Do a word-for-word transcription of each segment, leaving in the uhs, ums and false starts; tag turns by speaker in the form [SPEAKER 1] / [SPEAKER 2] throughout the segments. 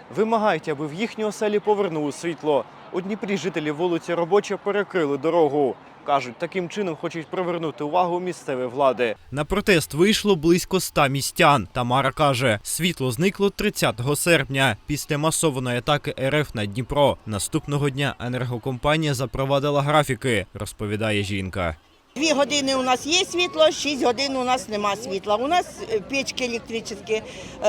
[SPEAKER 1] Вимагають, аби в їхні оселі повернули світло. У Дніпрі жителі вулиці Робоча перекрили дорогу. Кажуть, таким чином хочуть привернути увагу місцевої влади. На протест вийшло близько ста містян. Тамара каже, світло зникло тридцятого серпня після масованої атаки ер еф на Дніпро. Наступного дня енергокомпанія запровадила графіки, розповідає жінка.
[SPEAKER 2] Дві години у нас є світло, шість годин у нас нема світла. У нас печки електричні,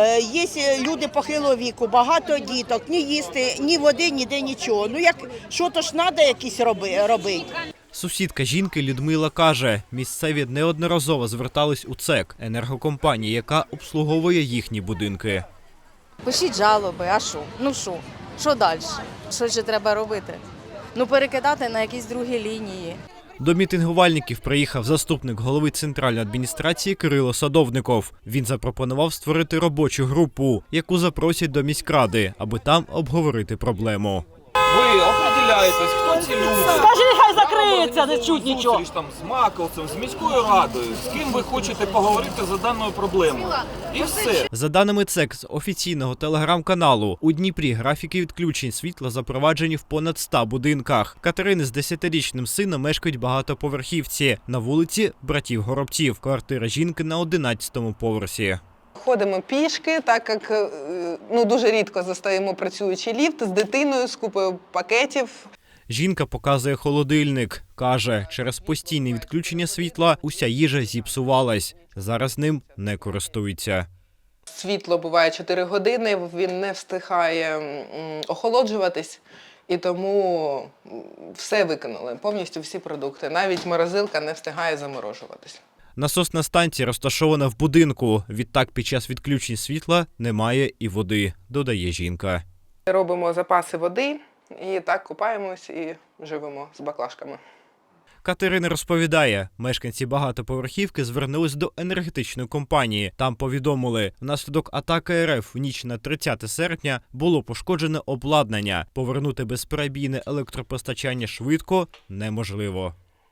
[SPEAKER 2] є люди похилого віку, багато діток, ні їсти, ні води, ніде нічого. Ну як, що то ж треба якісь робити.
[SPEAKER 1] Сусідка жінки Людмила каже, місцеві неодноразово звертались у ЦЕК, енергокомпанії, яка обслуговує їхні будинки.
[SPEAKER 3] Пишіть жалоби, а що? Ну що? Що далі? Що ще треба робити? Ну перекидати на якісь другі лінії.
[SPEAKER 1] До мітингувальників приїхав заступник голови центральної адміністрації Кирило Садовников. Він запропонував створити робочу групу, яку запросять до міськради, аби там обговорити проблему.
[SPEAKER 4] Ви определяєтесь, хто ці люди?
[SPEAKER 5] Скажи, хай закриється, не чуть нічого.
[SPEAKER 4] Зустріч там з Маковцем, з міською радою, з ким ви хочете поговорити за даною проблемою. І все.
[SPEAKER 1] За даними ЦЕК з офіційного телеграм-каналу, у Дніпрі графіки відключень світла запроваджені в понад ста будинках. Катерини з десятирічним сином мешкають в багатоповерхівці на вулиці Братів Горобців. Квартира жінки на одинадцятому поверсі.
[SPEAKER 6] Ходимо пішки, так як ну, дуже рідко застаємо працюючий ліфт з дитиною, з купою пакетів.
[SPEAKER 1] Жінка показує холодильник. Каже, через постійне відключення світла уся їжа зіпсувалась. Зараз ним не користуються.
[SPEAKER 6] Світло буває чотири години, він не встигає охолоджуватись. І тому все викинули, повністю всі продукти. Навіть морозилка не встигає заморожуватись.
[SPEAKER 1] Насосна станція розташована в будинку. Відтак під час відключень світла немає і води, додає жінка.
[SPEAKER 6] Робимо запаси води і так купаємось і живемо з баклажками.
[SPEAKER 1] Катерина розповідає, мешканці багатоповерхівки звернулись до енергетичної компанії. Там повідомили, внаслідок атаки ер еф в ніч на тридцяте серпня було пошкоджене обладнання. Повернути безперебійне електропостачання швидко неможливо.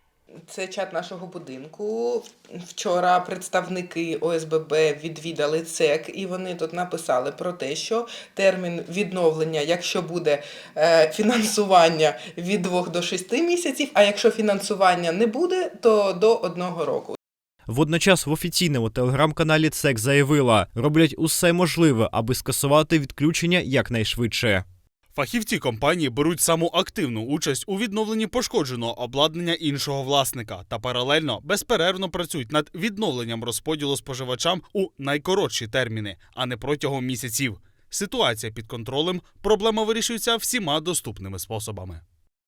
[SPEAKER 6] Це чат нашого будинку. Вчора представники о ес бе бе відвідали ЦЕК, і вони тут написали про те, що термін відновлення, якщо буде е, фінансування, від двох до шести місяців, а якщо фінансування не буде, то до одного року.
[SPEAKER 1] Водночас в офіційному телеграм-каналі ЦЕК заявила, роблять усе можливе, аби скасувати відключення якнайшвидше.
[SPEAKER 7] Фахівці компанії беруть саму активну участь у відновленні пошкодженого обладнання іншого власника та паралельно безперервно працюють над відновленням розподілу споживачам у найкоротші терміни, а не протягом місяців. Ситуація під контролем, проблема вирішується всіма доступними способами.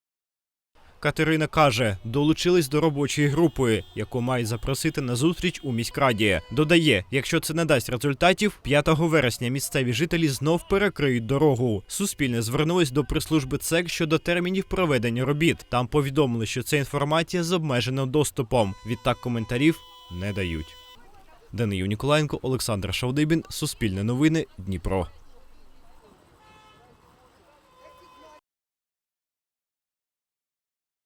[SPEAKER 1] Катерина каже, долучились до робочої групи, яку мають запросити на зустріч у міськраді. Додає, якщо це не дасть результатів, п'ятого вересня місцеві жителі знов перекриють дорогу. Суспільне звернулось до прес-служби ЦЕК щодо термінів проведення робіт. Там повідомили, що це інформація з обмеженим доступом. Відтак коментарів не дають. Данию Ніколаєнко, Олександр Шавдибін, Суспільне новини, Дніпро.